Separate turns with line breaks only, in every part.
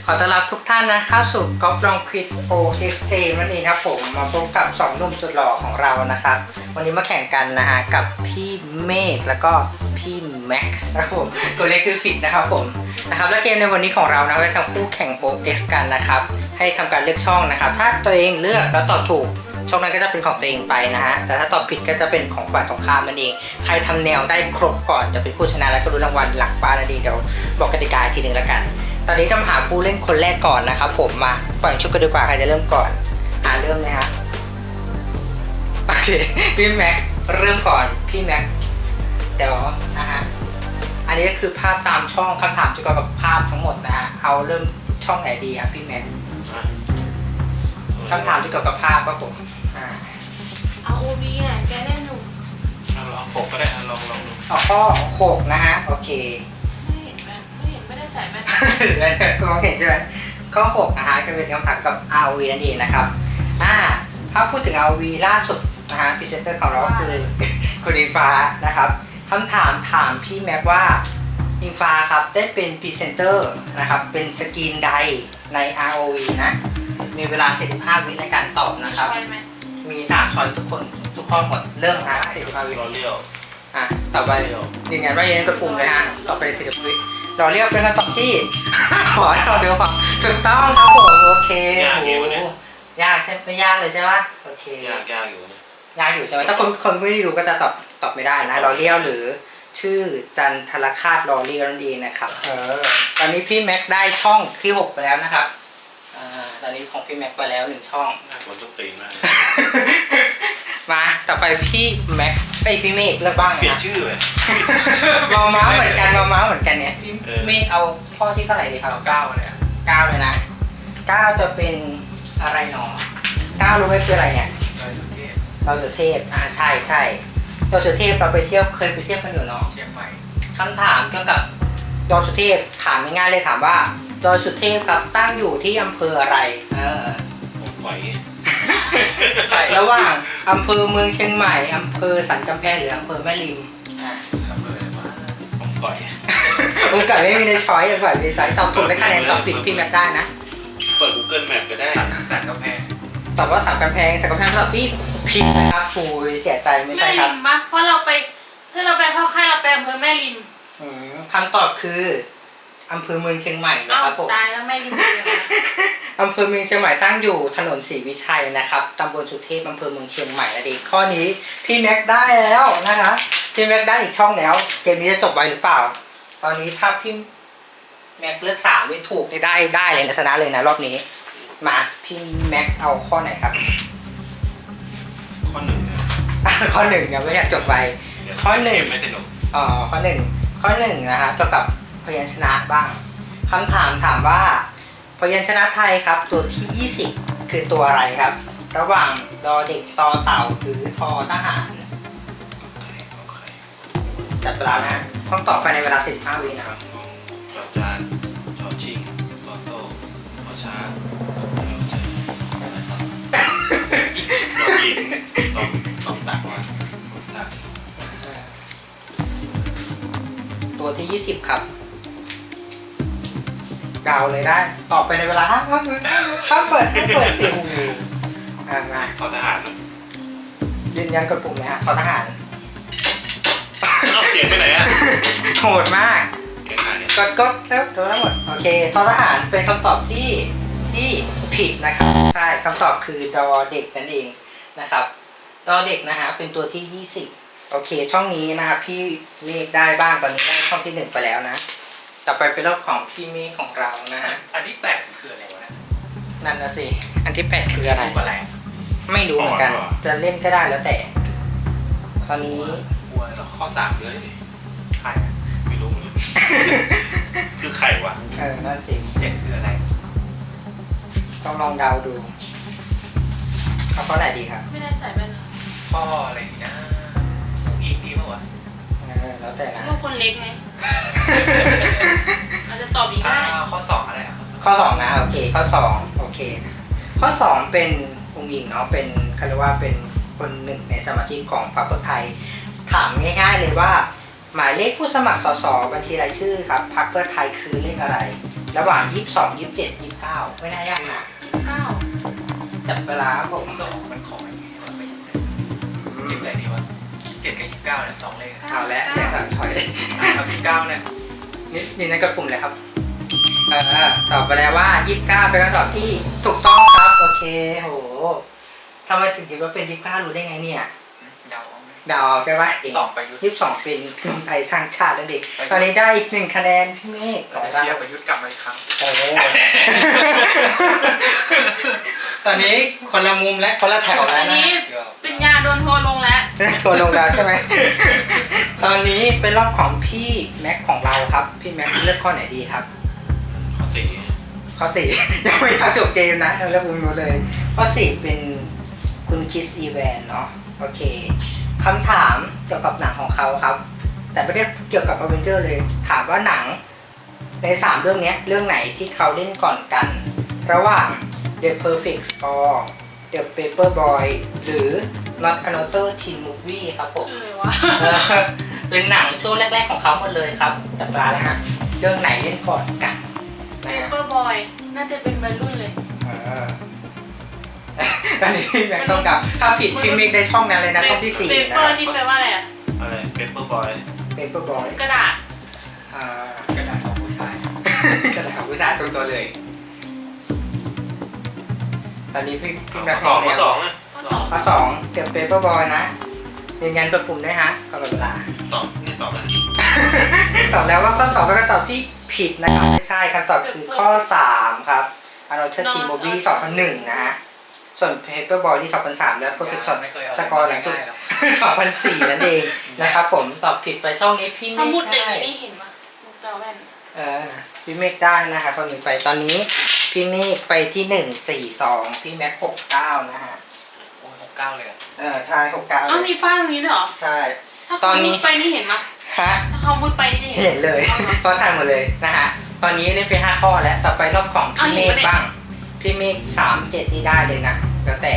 ขอต้อนรับทุกท่านนะเข้าสู่ก๊อฟลองควิด OXT นั่นเองครับผมมาพบกับ2หนุ่มสุดหล่อของเรานะครับวันนี้มาแข่งกันนะฮะกับพี่เมฆแล้วก็พี่แม็กนะครับผมตัวเลขคือผิดนะครับผมนะครับและเกมในวันนี้ของเรานะจะทั้งคู่แข่ง OX กันนะครับให้ทำการเลือกช่องนะครับถ้าตัวเองเลือกแล้วตอบถูกช่องนั้นก็จะเป็นของตัวเองไปนะฮะแต่ถ้าตอบผิดก็จะเป็นของฝ่ายตรงข้ามนั่นเองใครทำแนวได้ครบก่อนจะเป็นผู้ชนะและก็รู้รางวัลหลักบ้านนั่นเองเดี๋ยวบอกกติกาทีนึงแล้วกันตอนนี้จะมาหาผู้เล่นคนแรกก่อนนะครับผมมาปล่อยชุดกันดีกว่าใครจะเริ่มก่อนเริ่มเลยฮะโอเคพี่แม็กเริ่มก่อนพี่แม็กเดี๋ยวนะฮะอันนี้ก็คือภาพตามช่องคำถามเกี่ยวกับภาพทั้งหมดนะฮะเอาเริ่มช่องไหนดีครับพี่แม็กคำถามเกี่ยวกับภาพครับผม
เอาโอวีอ่ะแกได้หนุ่ม
ลอง6ก็ได้ลองดู
เอาข้อ6นะฮะโอเค
ไม่เห็นไม่ได้ใส่แว่น
มองเห็นใช่ไหมข้อ6นะฮะจะเป็นคำถามกับ ROV นั่นเองนะครับถ้าพูดถึง ROV ล่าสุดนะฮะพรีเซนเตอร์ของเราก็คือคุณอิงฟ้านะครับคำถามพี่แม็กว่าอิงฟ้าครับได้เป็นพรีเซนเตอร์นะครับเป็นสกรีนใดใน ROV นะมีเวลา45วิในการตอบนะครับมี3ช้อยทุกข้อหมดเริ่มฮะ45วิ
รอเลี้ยว
ต่อไปยืนยันว่ายืนยันกดปุ่มเลยฮะต่อไป40วิรอเรียกเป็นคำตอบที่ ขอเราเดี๋ยวก่อนถูกต้องครับผมโอเค
ยากอยู่เนี่ย
ยากใช่ไม่ยากเลยใช่ไหมโอเค
ยากอยู่เนี่ย
ยากอยู่ใช่ไหมถ้าคนไม่ได้ดูก็จะตอบไม่ได้นะรอเรียวหรือชื่อจันทรคาตรอเรียวนั่นเองนะครับตอนนี้พี่แม็กได้ช่องที่6ไปแล้วนะครับตอนนี้ของพี่แม็กไปแล้ว1ช่อง
มันต้องตีมาก
มาต่อไปพี่แม็กพี่เมฆเลือกบ้างนะ
เปลี่ยนชื่อเลย
มาม้าเหมือนกันเนี่ยพี่เมฆเอาข้อที่เท่าไหร่ดีครับ
9เลย
9เลยนะ9จะเป็นอะไรหนอ9รู้ไหมคืออะไรเนี่ยเราสุเทพใช่เราสุเทพเราไปเที่ยวเคยไปเที่ยวกันอยู่เนาะ
เชียงใหม่
คำถามเกี่ยวกับดอยสุเทพถามง่ายๆเลยถามว่าดอยสุเทพครับตั้งอยู่ที่อำเภออะไร
ผมไหว
ระหว่างอำเภอเมืองเชียงใหม่อำเภอสันกำแพงหรืออำเภอแม่ริม
ผมก่อย
ผมก่อยไม่มีในช้อยอย่างก่อยมีสายตอบถูกได้คะแนนตอบผิดพี่แม็กได้นะ
เปิด Google Map ก็ได้สันกำแพง
ตอบว่าสันกำแพงตอบที่ผิดนะครับฟูเสียใจไม่ใช่ครับ
แม่ริมปะเพราะเราไปถ้าเราไปเข้าค่ายเราไปอำเภอแม่ริม
คำตอบคืออำเภอเมืองเชียงใหม่นะครับผม
ตายแล้วแม่ริม
อำเภอเมืองเชียงใหม่ตั้งอยู่ถนนศรีวิชัยนะครับตำบลสุเทพอำเภอเมืองเชียงใหม่นั่นเองข้อนี้พี่แม็กได้แล้วนะคะพี่แม็กได้อีกช่องแล้วเกมนี้จะจบไวหรือเปล่าตอนนี้ถ้าพี่แม็กเลือก3ไม่ถูกได้เลยชนะเลยนะรอบนี้มาพี่แม็กเอาข้อไหนครับ
ข้อ1
ข้อ1ยังไม่อยากจบไวข้อ1
ไม่สนุก
ข้อ1นะฮะเกี่ยวกับพยัญชนะบ้างคำถามว่าพยัญชนะไทยครับตัวที่20คือตัวอะไรครับระหว่างดอเด็กตอเต่าหรือทอทหารจับเวลานะต้องตอบไปในเวลา45วินะครับ
จอจานจอชิงจอโซ่จอช้างจอหญิงต้องตักมา
ตัวที่20ครับเดาเลยได้ตอบไปในเวลาถ้าเปิดเสียงมา
ทอทหาร
ยืนยันกดปุ่มนะฮะทอทหาร
เอาเสียงไปไหนอะ
โหดมากกดแล้วโดนทั้งหมดโอเคทอทหารเป็นคำตอบที่ผิดนะครับใช่คำตอบคือดอเด็กนั่นเองนะครับดอเด็กนะฮะเป็นตัวที่20โอเคช่องนี้นะครับพี่เมฆได้บ้างตอนนี้ได้ช่องที่1ไปแล้วนะต่อไปเป็นรอบของพี่เมฆของเรานะฮะ
อันที่8คืออะไรวะ
นั่นนะสิอันที่8คืออะไรไม่รู้เหมือนกันจะเล่นก็ได้แล้วแต่ตอนนี้
ข้อ3เลยใครไม่รู้เลยคือใครวะ
นั่นสิ
7คืออะไร
ต้องลองเดาดูเอาข้อไหนดีครับ
ไม่ได้ใส่แว่น
ข้ออะไรนะอีกนี้ป่ะวะ
แล้วแต่นะ
ลูกคนเล็กไงอาจจะตอบอีกได้
ข้อ2อะไร
ข้อ2นะโอเคข้อ2โอเคข้อ2เป็นองค์หญิงเนาะเป็นเขาเรียกว่าเป็นคนหนึ่งในสมาชิกของพรรคเพื่อไทยถามง่ายๆเลยว่าหมายเลขผู้สมัครสสบัญชีรายชื่อครับพรรคเพื่อไทยคือเลขอะไรระหว่าง 22 27 29 ไม่น่ายากนะ
9
จับเวลาครับผม
สองมันของอย่างงี้มันไม่หยิบอะไรดีวะ7กับ29เนี่ย2เลข
เอาและแจกสั่งถอย
เอา29เนี่ย
นี่นั่นก็กลุ่มเลยครับตอบไปแล้วว่า 29 เป็นคำตอบที่ถูกต้องครับ โอเคโหทำไมถึงคิดว่าเป็น 29 รู้ได้ไงเนี่ย
เดาเอาไหม
เดาเอาใช่ไหม
2ประยุทธ์
22 เป็นกลุ่มไทยสร้างชาตินั่นเองตอนนี้ได้อีก1คะแนนพี่เมฆข
เรา
อง
จะ
เรา
เชียร์ประยุทธ์กลับมาอีกครั้ง
โอ้ ตอนนี้คนละมุมและคนละแถว
อั
แล้ว
น
นะ
นี้เป็นยาโดนโทรลงแล้ว
ตัวลงดาวใช่ไหม ตอนนี้เป็นรอบของพี่แม็กของเราครับ พี่แม็กเลือกข้อไหนดีครับ
ข้อสี่
ข้อ 4 ยังไม่ทันจบเกมนะเราเลือกมุมนู้นเลย ข้อ 4 เป็นคุณคิสอีแวนเนาะโอเคคำถามเกี่ยวกับหนังของเขาครับ แต่ไม่ได้เกี่ยวกับอเวนเจอร์เลย ถามว่าหนังใน 3 เรื่องเนี้ยเรื่องไหนที่เขาเล่นก่อนกัน ระหว่าง The Perfect Score The Paperboy หรือ Not Another Teen Movie ครับผม
คืออะไรวะ
เป็นหนังช่วงแรกๆของเขาหมดเลยครับจับตาเลยฮะเรื่องไหนเล่นก่อนกัน
เป
นะฮะ
เปอร์บอยน่าจะเป็นวัยรุ่นเลย
อันนี้พี่แม็กต้องเดาถ้าผิดพี่มิกได้ช่องนั้นเลยนะช่องที่ 4
เป
นะ
เปอร์นี่แปลว่าอะไรอ่ะ
อะไรเปเปอร์บอย
Paperboy
กระดาษ
กระดาษของผู้ชาย
กระดาษของผู้ชายตรงตัวเลย ตอนนี้พี่แม็ก
ข้อสองข้อสอง
ข้อ 2
ข้อ 2 เกี่ยวกับ Paperboy นะยืนยันกดปุ่มด้วยฮะก่อนหมดเวลา
ตอบนี่ตอบแล้ว
ตอบแล้วว่าข้อ 2 เป็นคำตอบที่ผิดนะครับไม่ใช่คำตอบคือข้อ 3 ครับ Another Teen Movie 2001 นะฮะ ส่วน Paperboy ที่ 2003 และ Perfect Shot
ไม่เคยเอา
สกอร์หลังสุด 2004 นั่นเองนะครับผมตอบผิดไปช่องนี้พี่เม
เขามุด
ฆ
อย่าง
ได้
นี้นี่เห็นปะมุดแปลแว่น
พี่เมฆได้นะคะตอนนี้ไปตอนนี้พี่เมฆไปที่ 142 พี่แม็ก69 นะฮะ
โอ้ย69เลยอ่ะ
ใช่69
อ้าวมีป้ายตรงนี้ด้วยเหรอ
ใช่
ถ้า
ตอ
เขา
นนี้
มุดไปนี่เห็นปะ
ฮะ
ถ้าเขามุดไปนี่จะ
เห็นเลยเพราะทานหมดเลยนะฮะตอนนี้เล่นไป5ข้อแล้วต่อไปรอบของพี่เมฆบ้างพี่เมฆ37นี่ได้เลยนะแล้วแต่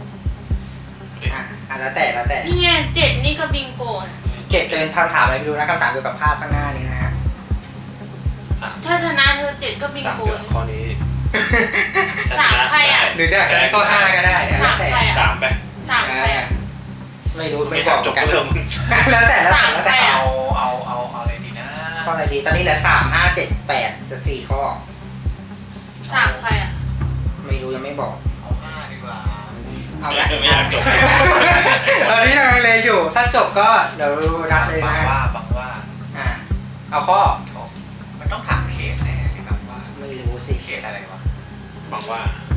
แล้วแต่
นี่ไง7นี่ก็บิงโกนะ
เจ็ดจะเป็นคำถามอะไรไม่รู้นะคำถามเกี่ยวกับภาพข้างหน้านี้นะฮะ
ถ้าชนะเธอ7ก็บิง
สาม
โก
เดือนข้อนี้
สามใครอ่ะ
หรือจะก็5ก็ได้แล้ว
สาม
แต่
ใครอ่ะ
3ไป
3ใครอ่ะ
ไม่รู้
ไม่
ไม่
บบ อ
อก ก
จบ
กัน
เรื่องมึง
แล้วแต่
สามใครอะ
เอาอะไรดีนะ
ข้ออะไรดีตอนนี้เหลือ3 5 7 8จะ4ข้อ
3ใครอ่ะ
ไม่รู้ยังไม่บอก
เอา5ดีกว่า
เอาละ
ไม่อยากจบ
ตอนนี้ยังเลยอยู่ ถ้าจบก็เดี๋ยวนัดเลย
บาง
นะ
ว่า
เอาข้อ
มันต้องถามเขตแน่เลยครับว่า
ไม่รู้สิ
เขตอะไรวะบางว่า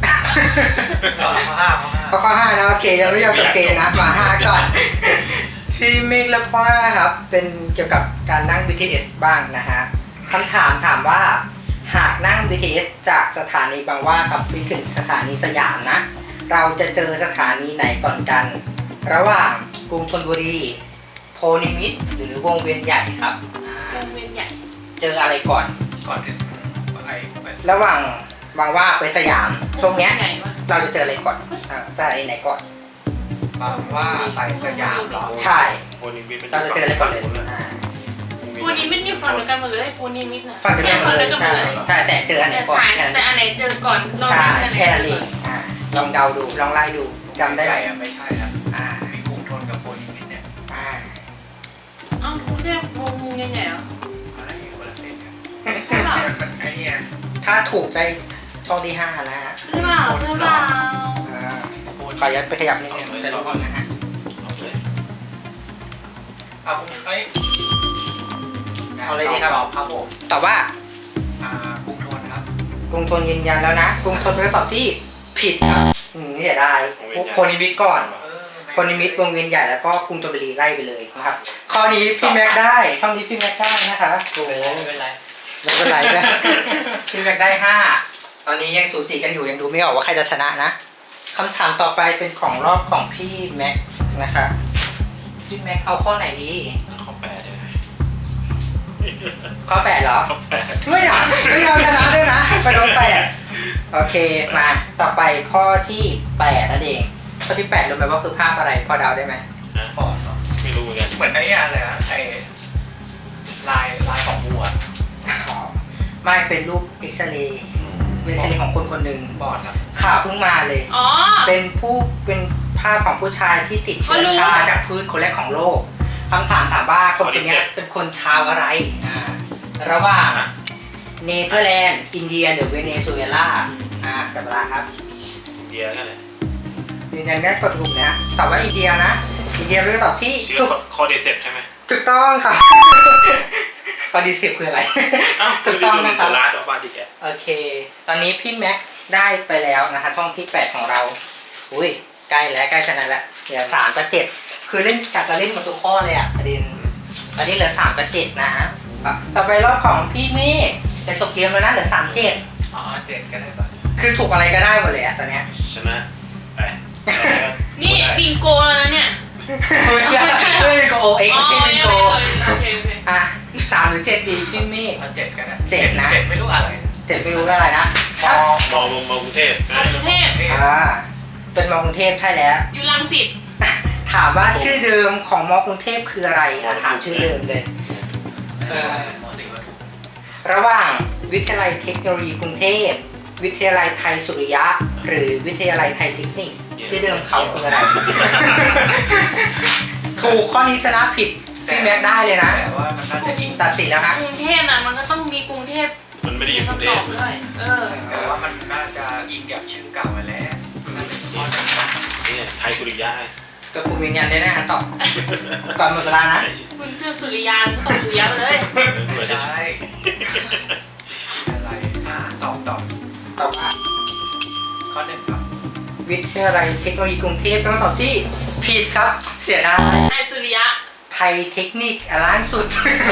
ข้อ
ข้อ5นะโอเคยังไม่ยอมจบเกมนะมา5ก่อน พี่มิกและข้อ5ครับเป็นเกี่ยวกับการนั่ง BTS บ้างนะฮะคำถามว่าหากนั่ง BTS จากสถานีบางหว่าครับไปถึงสถานีสยามนะ เราจะเจอสถานีไหนก่อนกัน ระหว่างกรุงธนบุรีโพนิมิตรหรือวงเวียนใหญ่ครับ
วงเวียนใหญ่
เจออะไรก่อน
ก่อนถึงอะไร
ระหว่างบางหว่าไปสยามช่วงเนี้ย
ใหญ่ปะ
เราจะเจออะไรก่อนสถานีไหนก่อน
บางว่าไปสยามเหรอ
ใช่
โอนิมิต
เราจะเจออะไรก่อนเลย
ปูนิมิตอยู่ฝั่งเดียวกันหมดเลยปูนิมิตน่ะ
ฝั่งเดียวกันเลย
ฝั่ง
ใช่
เดียวกันหมดเลย
ใช่แต่เจออันไหน
แต่
ก่อน
สาย
แค่นั้น
แต่อันไหนเจอก่อนลอง
ใช่
ดู
แค่นั้นเองลองเดาดูลองไล่ดูจำได้ไหม
ไม่ใช่ครับ
อ่า
มีกรุงทนกับโอนิมิตเนี่ย
อ่า
อ้าวไม่ใช่วงใหญ่ๆเหรอ
อะไรคนละเส้นกัน
ใช่เปล่า
มันไอ้เนี่ย
ถ้าถูกได้ช่องที่5นะฮะ
ใช่เปล่าใช่เปล่า
ขอยัดไปขยับนิดนึงจะรู้ก่อนนะฮะ
เอาเลยเอาคุณไอ้
เอาเลยดีครับ
ตอบครับผม
ตอบว่าก
รุงทนครับ
กรุงธนยืนยันแล้วนะกรุงธนเป็นคำตอบที่ผิดครับเสียดายโพนิมิตรก่อนโพนิมิตรวงเวียนใหญ่แล้วก็กรุงธนบุรีไล่ไปเลยนะครับข้อนี้พี่แม็กได้ช่องนี้พี่แม็กได้นะคะโอ้โห
ไม่เป็นไร
ไม่เป็นไรนะ พี่แม็กได้5ตอนนี้ยังสูสีกันอยู่ยังดูไม่ออกว่าใครจะชนะนะคำถามต่อไปเป็นของรอบของพี่แม็กนะคะพี่แม็กเอาข้อไหนดี
ข้อ8เลย
ข้อ8เหรอ
ข้อ8
ไม่อยากชนะด้วยนะไปโดน8โอเคมาต่อไปข้อที่8นั่นเองข้อที่8รู้ไหมว่าคือภาพอะไรพอเดาได้ไหม
ก่อนเนาะไม่รู้เหมือนไอ้อะไรนะไอ้ลายของวัว
อ๋อไม่เป็นรูปเอ็กซเรย์ของคนคนหนึ่ง
บอดครับ
ข่าวเพิ่งมาเลย
อ๋อ
เป็นภาพของผู้ชายที่ติดเชื้อชาจากพืชคนแรกของโลกคำถามว่าคนคนนี้เป็นคนชาวอะไรระหว่างเนเธอร์แลนด์อินเดียหรือเวเนซุเอลาจับเวลาครับ
อินเดียนั่นแหละ
ยืนยันได้กดถูกนะตอบว่าอินเดียนะอินเดียเป็นคำตอบที่
ชื่อ
ถูก
คอเดเซปใช่ไหม
ถูกต้องครับ คอดีสิบคืออะไร
อ้าว
ถูกต้องนะครับ
ร้านต่อมาดิแก
โอเค ตอนนี้พี่แม็กได้ไปแล้วนะคะช่องที่ 8 ของเรา อุ้ยใกล้แล้วใกล้ชนะแล้วเหลือ3 กับ 7 คือเล่นกะจะเล่นหมดทุกข้อเลยอ่ะประเด็นตอนนี้เหลือ3 กับ 7 นะฮะต่อไปรอบของพี่เมฆแต่จบเกมแล้วนะเหลือ3 7
อ๋อ7ก็ได้ป่ะ
คือถูกอะไรก็ได้หมดเลยอ่ะตอนเนี้ย
ชนะไป
นี่บิงโกแล้วนะเนี่ย
ไม่ใช่ไม่เป็นโกเอ็ก
อ๋อ
ซ์ไม่เป็นโก
โอเคโอเค
อ่ะ3 หรือ 7 ดีพี่เมฆ
เอา7กันนะ
7นะ
7ไม่รู้อะไร
7ไม่รู้ว่าอะไรนะ
มอกรุงเทพ
กรุงเทพ
เป็นมอกรุงเทพใช่แล้ว
อยู่รังสิต
ถามว่าชื่อเดิมของมอกรุงเทพคืออะไรถามชื่อเดิมเลย
มสิงห์ปทุม
ระหว่างวิทยาลัยเทคโนโลยีกรุงเทพ วิทยาลัยไทยสุริยะ หรือวิทยาลัยไทยเทคนิคชื่อเดิมเขาคืออะไร ถูกข้อนี้ชนะผิดพี่แม็กได้เลยนะ
แต่ว่ามันน่าจะอิง
ตัดสินแล้วฮะ
กรุงเทพน่ะมันก็ต้องมีกรุงเทพ
มันไม่ได้อยู่กรุงเท
คำต
พ
อบด้วย
แต่ว่ามันน่าจะอิงกับชื่อเก่าไปแล้วนี่ไทยสุริยะ
ก็คุณยืนยันได้นะตอบก่อนหมดเวลานะ
คุณชื่อสุริยานก็ตอบสุริยะไปเลย
ใช่อะไรตอบ
ตอบว่า
ข้อหนึ่งครับ
วิทยาลัยเทคโนโลยีกรุงเทพเป็นคำตอบที่ผิดครับ เสียดาย
ไอสุริยะ
ไทยเทคนิคล้านสุด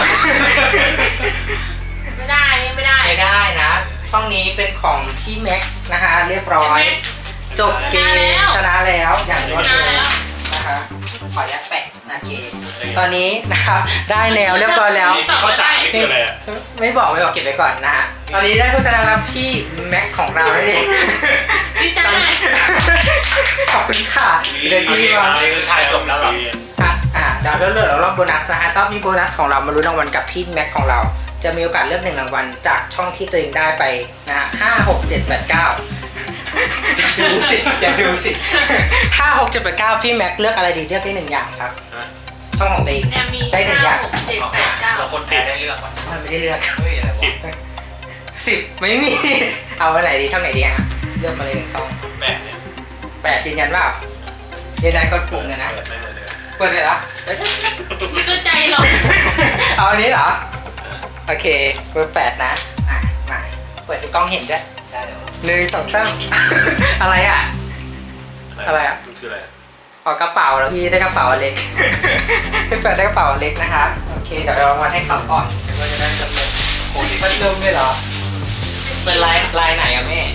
ไม่ได้ไม่ได้
ไม่ได้นะ ช่องนี้เป็นของพี่แม็กนะคะ เรียบร้อย จบเกมชนะแล้วอย่างรวดเร็วนะคะขอยัดแปะนะเกมตอนนี้นะครับได้แนวเรียบร้อยแล้ว
ข้อสามนี่คืออะไร
ไม่บอกเก็บไว้ก่อนนะฮะตอนนี้ได้ผู้ชนะแล้วพี่แม็กของเรานั่นเอง
ดีใจ
ขอบคุณค่ะเดี๋ยวที่มา
ถ่ายจบแล้วหรอ
เดี๋ยวเหลือรอบโบนัสนะฮะถ้ามีโบนัสของเรามาลุ้นรางวัลกับพี่แม็กของเรา จะมีโอกาสเลือก1 รางวัลจากช่องที่ตัวเองได้ไปนะฮะ5 6 7 8 9ดูสิอย่าดูสิ5 6 7 8 9พี่แม็กเลือกอะไรดีเลือกได้1 อย่างครับช่องของตัวเอง
เนี่ยมี
ได้1 อย่าง
5 6 7 8 9
เราคนแพ้ได้เลือกป่ะ
มันไม่ได้เลือก
เฮ้ยอะไรวะ
10ไม่มีเอาไว้ไหนดีช่องไหนดีฮะเลือกมาเลย1 ช่อง
8เนี่ย
8ยืนยันว่ายืนยันกดปุ่มเลยนะ
ไม่เลย
เปิดเลยเหรอ
นี่ก็ใจหรอก
เอาอันนี้เหรอโอเคเบอร์8นะมาเปิดให้กล้องเห็นด้วย
ได้เดี๋ยว
1 2 3 อะไรอ่ะ อะไรอ่ะ
มันคืออะไร
ออกกระเป๋าแล้วพี่ได้กระเป๋าอันเล็ก พี่เปิดได้กระเป๋าอันเล็กนะคะโอเคเดี๋ยวเรามาให้เขาก่อนเดี๋ยวเราจะได้จำนวนโอ้ยมันเริ่มด้วยเหรอเป็นลายไหนอะแม่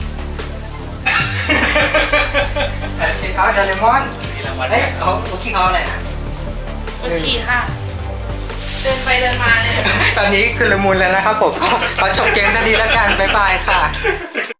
คิดเขาเดลมอน
ที่รางวัล
เฮ้ยเขาคิดเขาอะไรนะ
บัญชีค่ะ เดินไปเดินมาเลย
ตอนนี้คือละมุนแล้วนะครับผมขอจบเกมทันทีแล้วกันบ๊ายบายค่ะ